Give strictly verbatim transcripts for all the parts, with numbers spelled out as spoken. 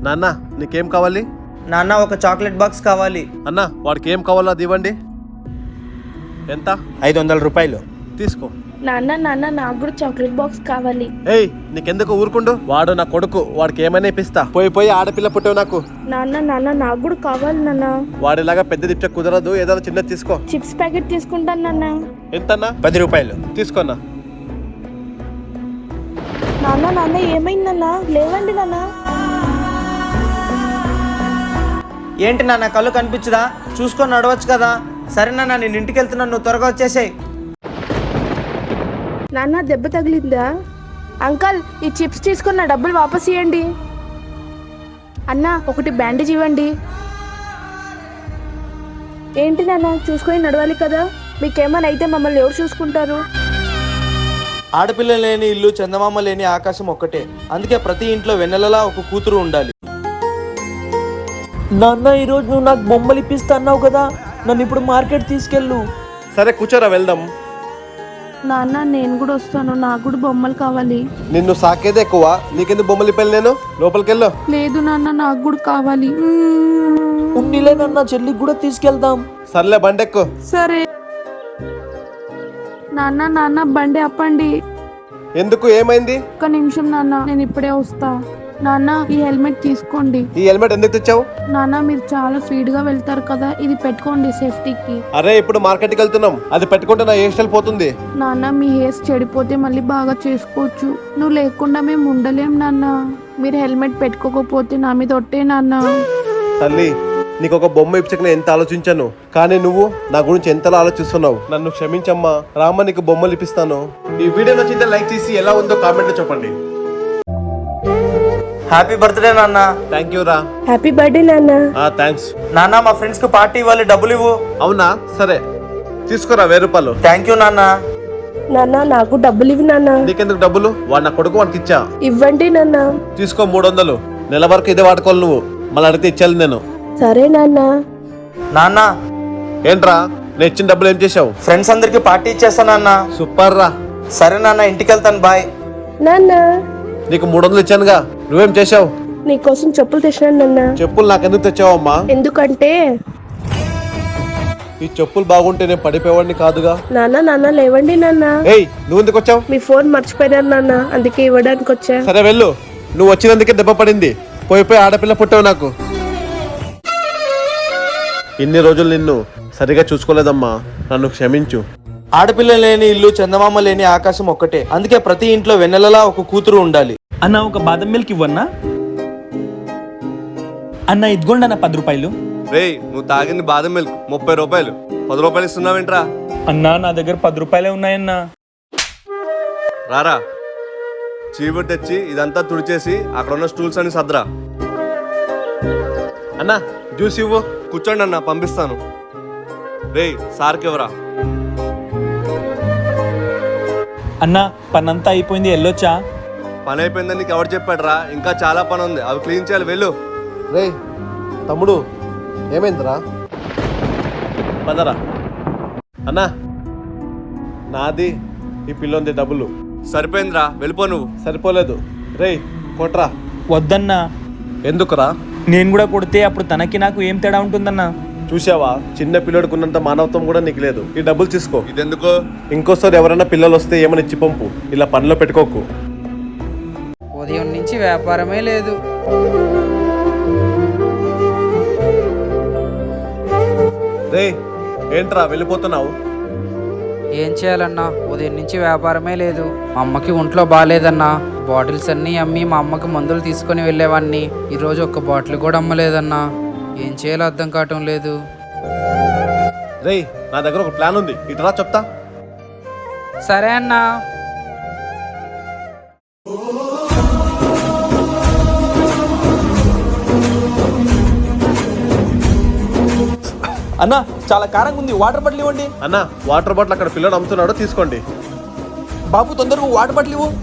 నాన్న నీకేం కావాలి? నాన్న ఒక చాక్లెట్ బాక్స్ కావాలి. అన్న వాడికి ఏం కావాలో అది ఇవ్వండి. ఎంత? ఐదు వందల రూపాయలు తీసుకో. నాన్న నాన్న నాకు కూడా చాక్లెట్ బాక్స్ కావాలి. ఏయ్ నీకెందుకు ఊరుకుండు? వాడు నా కొడుకు, వాడికి ఏమైనా ఇప్పిస్తా. పోయి పోయి ఆడపిల్ల పుట్టావు నాకు. నాన్న నాన్న నాకు కూడా కావాలి నాన్న. వాడిలాగా పెద్ద తిప్ప కుదరదు, ఏదైనా చిన్నది తీసుకో. చిప్స్ ప్యాకెట్ తీసుకుంటాను నాన్న. ఎంతన్నా? పది రూపాయలు తీసుకోన్నా. నాన్న నాన్న ఏమైంది నాన్న? లేవండి నాన్న. ఏంటి నాన్న కళ్ళు కనిపించదా? చూసుకొని నడవచ్చు కదా. సరే నాన్న నేను ఇంటికి వెళ్తున్నాను, నువ్వు త్వరగా వచ్చేసాయి. నాన్న దెబ్బ తగిలిందా? అంకల్ ఈ చిప్స్ తీసుకున్న డబ్బులు వాపస్ ఇవ్వండి. అన్న ఒకటి బ్యాండేజ్ ఇవ్వండి. ఏంటి నాన్న చూసుకొని నడవాలి కదా, మీకేమైనా అయితే మమ్మల్ని ఎవరు చూసుకుంటారు? ఆడపిల్ల లేని ఇల్లు చందమామ లేని ఆకాశం ఒక్కటే. అందుకే ప్రతి ఇంట్లో వెన్నెలలా ఒక కూతురు ఉండాలి. నాన్న ఈరోజు నువ్వు నాకు బొమ్మలు ఇప్పిస్తా అన్నావు కదా, నన్ను ఇప్పుడు మార్కెట్ తీసుకెళ్ళు. సరే కూర్చోరా వెళ్దాం. నాన్న నేను కూడా వస్తాను, నాకు కూడా బొమ్మలు కావాలి. నిన్ను సాకేదే ఎక్కువ, నీకెందుకు బొమ్మలు ఇప్పాలి? నేను లోపలికెళ్ళు. లేదు నాన్న నాకు కూడా కావాలి. ఉన్నిలే నాన్న, చెల్లికి కూడా తీసుకెళ్దాం. సర్లే బండెక్కు. సరే నాన్న నాన్న బండి అప్పండి. ఎందుకు, ఏమైంది? ఒక్క నిమిషం నాన్న, నేను ఇప్పుడే వస్తా. నాన్న ఈ హెల్మెట్ తీసుకోండి. ఈ హెల్మెట్ ఎందుకు తెచ్చావు? నాన్న మీరు చాలా స్పీడ్ గా వెళ్తారు కదా, ఇది పెట్టుకోండి సేఫ్టీకి. అరే ఇప్పుడు మార్కెట్కి వెళ్తున్నాం, అది పెట్టుకుంటే నా హెయిర్ స్టైల్ పోతుంది. నాన్న మీ హెయిర్స్ చెడిపోతే మళ్ళీ బాగా చేసుకోవచ్చు. నువ్వు లేకుండా మేము ఉండలేం నాన్న. మీరు హెల్మెట్ పెట్టుకోకపోతే నా మీద ఒట్టే నాన్న. తల్లి నీకు ఒక బొమ్మ ఇచ్చక ఎంత ఆలోచించాను, కానీ నువ్వు నా గురించి ఎంతలా ఆలోచిస్తున్నావు. నన్ను క్షమించమ్మా. రామ నీకు బొమ్మలు ఇప్పిస్తాను. ఈ వీడియో నచ్చితే లైక్ చేసి ఎలా ఉందో కామెంట్ లో చెప్పండి. హ్యాపీ బర్త్డే నాన్న. థ్యాంక్ యూ రా. హ్యాపీ బర్త్డే నాన్న. థ్యాంక్స్ నాన్న మా ఫ్రెండ్స్ కి పార్టీ ఇవ్వాలి, డబ్బులు ఇవ్వు. అవునా, సరే తీసుకురా వెయ్యి రూపాయలు. థ్యాంక్ యూ నాన్న. నాన్న నాకు డబ్బులు ఇవ్వు నాన్న. నీకెందుకు డబ్బులు? వాడు నా కొడుకు, వాడికి ఇచ్చా. ఇవ్వండి నాన్న. తీసుకో మూడు వందలు. నెల వరకు ఇదే వాడుకోవాలి నువ్వు, మళ్ళీ అడిగితే ఇచ్చాలి నేను. సరే నాన్న. నాన్న ఏంట్రా నేను ఇచ్చిన డబ్బులు ఏం చేసావు? ఫ్రెండ్స్ అందరికి పార్టీ ఇచ్చేస్తా నాన్న. సూపర్ రా. సరే నాన్న ఇంటికి వెళ్తాను, బాయ్. నాన్న నీకు మూడు వందలు ఇచ్చానుగా, నువ్వేం చేసావు? నీకోసం చెప్పులు తెచ్చినాను నాన్న. చెప్పులు నాకెందుకు తెచ్చావమ్మా? ఎందుకంటే ఈ చెప్పులు బాగుంటే నేను పడిపోయేవాడిని కాదుగా. నాన్న నాన్న లేవండి నాన్న. ఏయ్ నువ్వు ఎందుకు వచ్చావు? మీ ఫోన్ మర్చిపోయినారు నాన్న, అందుకే ఇవ్వడానికి వచ్చా. సరే వెళ్ళు, నువ్వు వచ్చినందుకే దెబ్బ పడింది. పోయి పోయి ఆడపిల్ల పుట్టావు నాకు. ఇన్ని రోజులు నిన్ను సరిగా చూసుకోలేదమ్మా, నన్ను క్షమించు. ఆడపిల్ల లేని ఇల్లు చందమామ లేని ఆకాశం ఒక్కటే. అందుకే ప్రతి ఇంట్లో వెన్నెలలా ఒక కూతురు ఉండాలి. అన్న ఒక బాదం మిల్క్ ఇవ్వన్నా? అన్న ఇదిగోండి అన్న పది రూపాయలు. రేయ్ నువ్వు తాగింది బాదం మిల్క్ ముప్పై రూపాయలు, పది రూపాయలు ఇస్తున్నావేంట్రా? అన్నా నా దగ్గర పది రూపాయలే ఉన్నాయన్నా. రారా చీపురు తెచ్చి ఇదంతా తుడిచేసి అక్కడ ఉన్న స్టూల్స్ అని సద్రా. అన్నా జ్యూస్ ఇవ్వు. కూర్చోండి అన్న పంపిస్తాను. రేయ్ సార్కి ఎవరా? అన్న పనంతా అయిపోయింది, వెళ్ళొచ్చా? పని అయిపోయిందని నీకు ఎవరు చెప్పాడు రా? ఇంకా చాలా పని ఉంది, అవి క్లీన్ చేయాలి, వెళ్ళు. రే తమ్ముడు ఏమైందిరా? పదరా. అన్నా నాది ఈ పిల్లంది డబ్బులు. సరిపోయిందిరా, వెళ్ళిపో నువ్వు. సరిపోలేదు. రే కొట్రా. వద్దన్నా. ఎందుకురా? నేను కూడా కొడితే అప్పుడు తనకి నాకు ఏం తేడా ఉంటుందన్నా? చూసావా, చిన్న పిల్లడికి ఉన్నంత మానవత్వం కూడా నీకు లేదు. ఈ డబ్బులు తీసుకో. ఇదెందుకు? ఇంకోసారి ఎవరైనా పిల్లలు వస్తే ఏమని ఇచ్చి పంపు, ఇలా పనిలో పెట్టుకోకు. ఉదయం నుంచి వ్యాపారమే లేదు. రే ఏంట్రా వెళ్ళిపోతున్నావు? ఏం చేయాలన్నా, ఉదయం నుంచి వ్యాపారమే లేదు. మా అమ్మకి ఒంట్లో బాగాలేదన్నా, బాటిల్స్ అన్నీ అమ్మి మా అమ్మకి మందులు తీసుకొని వెళ్ళేవాడిని. ఈరోజు ఒక్క బాటిల్ కూడా అమ్మలేదన్నా. ఏం చేయాలో అర్థం కావటం లేదు. రే నా దగ్గర ఒక ప్లాన్ ఉంది, ఇటురా చెప్తా. సరే అన్నా. అన్న చాలా కారంగా ఉంది, వాటర్ బాటిల్ ఇవ్వండి. అన్న వాటర్ బాటిల్ అక్కడ పిల్లడు అమ్ముతున్నాడు, తీసుకోండి. బాబు తొందరగా వాటర్ బాటిల్ ఇవ్వు.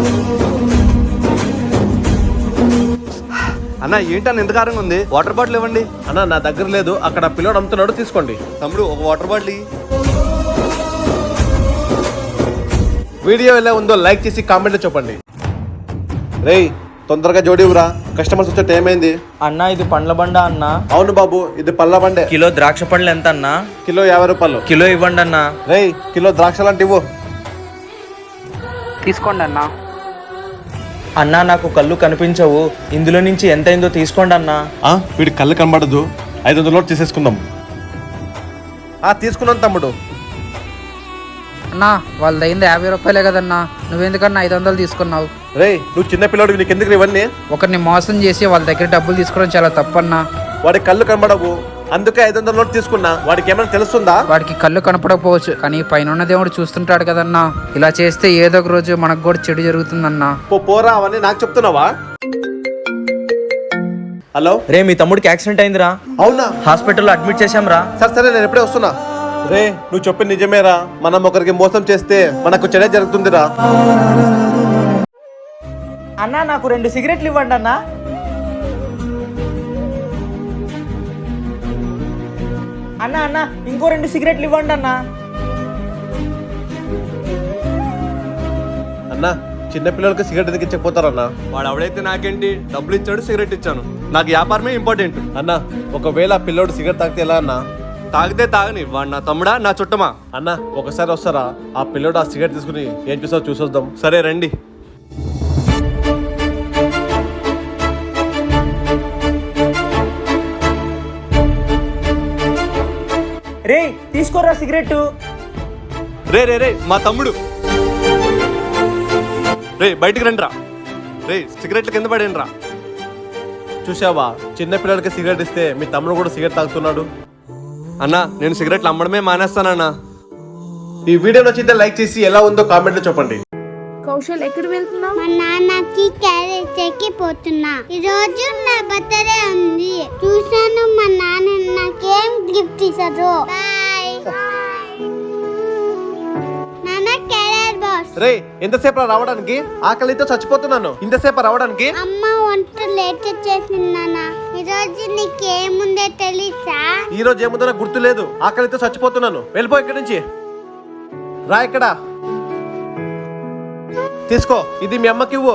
అన్న ఏంటన్న ఎంత కారంగా ఉంది? వాటర్ బాటిల్ ఇవ్వండి. అన్న నా దగ్గర లేదు, అక్కడ పిల్లడు అమ్ముతున్నాడు, తీసుకోండి. తమ్ముడు ఒక వాటర్ బాటిల్. వీడియో ఎలా ఉందో లైక్ చేసి కామెంట్లో చెప్పండి. రేయ్ తొందరగా జోడివురా, కస్టమర్స్ వచ్చే టైం అయింది. అన్నా ఇది పండ్ల బండ అన్నా. అవును బాబు, ఇది పళ్ళ బండే. కిలో ద్రాక్ష పండ్లు ఎంత అన్నా? కిలో యాభై రూపాయలు. కిలో ఇవ్వండి అన్నా. రేయ్, కిలో ద్రాక్ష లాంటి ఇవ్వు. తీసుకోండి అన్నా. అన్నా నాకు కళ్ళు కనిపించవు, ఇందులో నుంచి ఎంత అయిందో తీసుకోండి అన్నా. ఆ, వీడి కళ్ళు కనబడదు, ఐదు వందల నోట్ తీసేసుకుందాం. ఆ తీసుకున్నాను తమ్ముడు. అన్నా వాళ్ళది అయింది యాభై రూపాయలే కదన్నా, నువ్వెందుకన్నా ఐదు వందలు తీసుకున్నావు? రేయ్, నువ్వు చిన్న పిల్లడివి, నీకు ఎందుకు ఇవన్నీ? ఒకరిని మోసం చేసి వాళ్ళ దగ్గర డబ్బులు తీసుకోవడం చాలా తప్పన్నా. వాడి కళ్ళు కనబడవు, అందుకే ఐదు వందల నోట్ తీసుకున్నా. వాడికి ఏమైనా తెలుస్తుందా? వాడికి కళ్ళు కనపడకపోవచ్చు, కానీ పైన దేవుడు చూస్తుంటాడు కదన్నా. ఇలా చేస్తే ఏదో ఒక రోజు మనకు కూడా చెడు జరుగుతుందన్నా. పో పోరా, అవన్నీ నాకు చెప్తున్నావా? హలో రే, మీ తమ్ముడికి యాక్సిడెంట్ అయిందిరా, అవునా? హాస్పిటల్లో అడ్మిట్ చేశాం రా. సరే సరే, నేను ఎప్పుడే వస్తున్నా. రే, నువ్వు చెప్పింది నిజమేరా, మనం ఒకరికి మోసం చేస్తే మనకు చెడే జరుగుతుందిరా. అన్నా నాకు రెండు సిగరెట్లు ఇవ్వండి అన్నా. అన్నా అన్నా ఇంకో రెండు సిగరెట్లు ఇవ్వండి అన్నా. అన్నా, చిన్న పిల్లలకి సిగరెట్ ఎందుకు ఇచ్చకపోతారన్నా? వాడు ఎవడైతే నాకేంటి, డబ్బులు ఇచ్చాడు, సిగరెట్ ఇచ్చాను. నాకు వ్యాపారమే ఇంపార్టెంట్. అన్నా, ఒకవేళ ఆ పిల్లోడు సిగరెట్ తాగితే ఎలా అన్నా? తాగితే తాగని, వాడు నా తమ్ముడా నా చుట్టమా? అన్నా, ఒకసారి వస్తారా? ఆ పిల్లోడు ఆ సిగరెట్ తీసుకుని ఏం చూసావు చూసొద్దాం. సరే రండి. రే తీసుకోరా సిగరెట్. రే రే రే మా తమ్ముడు, రే బయటికి రండి రా. రే సిగరెట్లు కింద పడేయండి రా. చూసావా, చిన్న పిల్లలకి సిగరెట్ ఇస్తే మీ తమ్ముడు కూడా సిగరెట్ తాగుతున్నాడు. అన్నా నేను సిగరెట్లు అమ్మడమే మానేస్తానన్నా. ఈ వీడియో నచ్చితే లైక్ చేసి ఎలా ఉందో కామెంట్ లో చెప్పండి. కౌశల్, ఎక్కడ వెళ్తున్నావు? మా నాన్నకి క్యారేజ్ ఎక్కి పోతున్నా. ఈ రోజు నా బర్త్డే ఉంది. చూసాను మా నాన్న నాకేం గిఫ్ట్ ఇచ్చారు. బాయ్ నాన్న. Carriage box. రే, ఎంతసేపు రావడానికి? ఆకలితో చచ్చిపోతున్నాను. ఇంతసేపు రావడానికి? అమ్మ వంట లేట్ చేసింది నాన్న. ఈ రోజు నీకేముందే తెలుసా? ఈ రోజు ఏముందో నాకు గుర్తు లేదు. ఆకలితో చచ్చిపోతున్నాను. వెళ్ళిపో ఇక్కడి నుంచి. రా ఇక్కడ. తీసుకో, ఇది మీ అమ్మకి ఇవ్వు.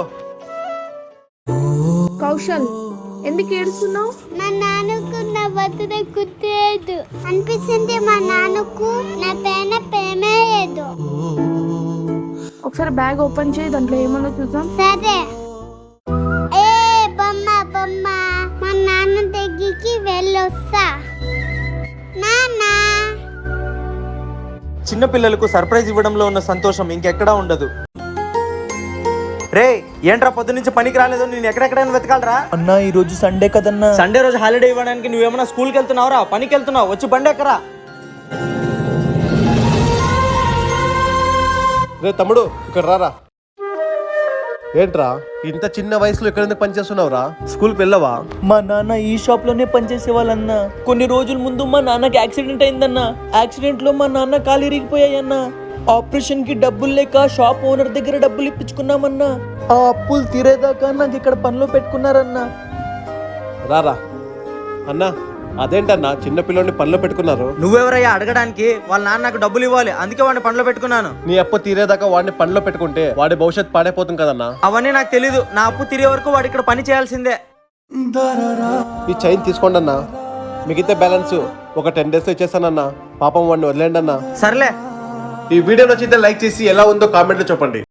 కౌశల్, ఎందుకు ఏడుస్తున్నావు? మా నాన్నకు నా బర్త్డే గుర్తులేదు అనిపిస్తుంది. మా నాన్నకు నా పైన ప్రేమే లేదు. ఒకసారి బ్యాగ్ ఓపెన్ చేయి, దాంట్లో ఏమన్నా చూద్దాం. సరే. ఏ బొమ్మ బొమ్మ, మా నాన్న దగ్గరికి వెళ్ళొస్తా. నాన్న. చిన్న పిల్లలకు సర్ప్రైజ్ ఇవ్వడంలో ఉన్న సంతోషం ఇంకెక్కడా ఉండదు. రే ఏంట్రా పొద్దు నుంచి పనికి రాలేదు, నేను ఎక్కడెక్కడైనా వెతకాలరా. అన్నా ఈ రోజు సండే కదన్నా. సండే రోజు హాలిడే ఇవ్వడానికి నువ్వేమన్నా స్కూల్కి వెళ్తున్నావురా, పనికి వెళ్తున్నావు? వచ్చి బండి ఎక్కరా. రే తమ్ముడు, ఇక్కడ రారా. ఏంట్రా, ఇంత చిన్న వయసులో ఇక్కడ ఎందుకు పనిచేస్తున్నావురా? స్కూల్కి వెళ్ళవా? మా నాన్న ఈ షాప్ లోనే పనిచేసే వాళ్ళన్నా. కొన్ని రోజుల ముందు మా నాన్నకి యాక్సిడెంట్ అయిందన్నా. యాక్సిడెంట్ లో మా నాన్న కాలు ఇరిగిపోయాయన్నా. ఆపరేషన్ కి డబ్బులు లేక షాప్ ఓనర్ దగ్గర డబ్బులు ఇప్పించుకున్నామన్నా. ఆ అప్పులు తీరేదాకా నాకు ఇక్కడ పనిలో పెట్టుకున్నారన్నా. రారా. అన్నా, అదేంటన్నా చిన్న పిల్లోని పనిలో పెట్టుకున్నారు? నువ్వెవరయ్యా అడగడానికి? వాళ్ళ నాన్న నాకు డబ్బులు ఇవ్వాలి, అందుకే వాడిని పనిలో పెట్టుకున్నాను. నీ అప్పు తీరేదాకా వాడిని పనిలో పెట్టుకుంటే వాడి భవిష్యత్ పాడైపోతుంది కదన్నా. అవన్నీ నాకు తెలీదు. నా అప్పు తీరే వరకు వాడు ఇక్కడ పని చేయాల్సిందే. ఈ చైన్ తీసుకోండి అన్నా. మిగతా బ్యాలెన్స్ ఒక టెన్ డేస్ ఇచ్చేస్తానన్నా. పాపం వాడిని వదిలేండి అన్నా. సర్లే. ఈ వీడియో నచ్చితే లైక్ చేసి ఎలా ఉందో కామెంట్ లో చెప్పండి.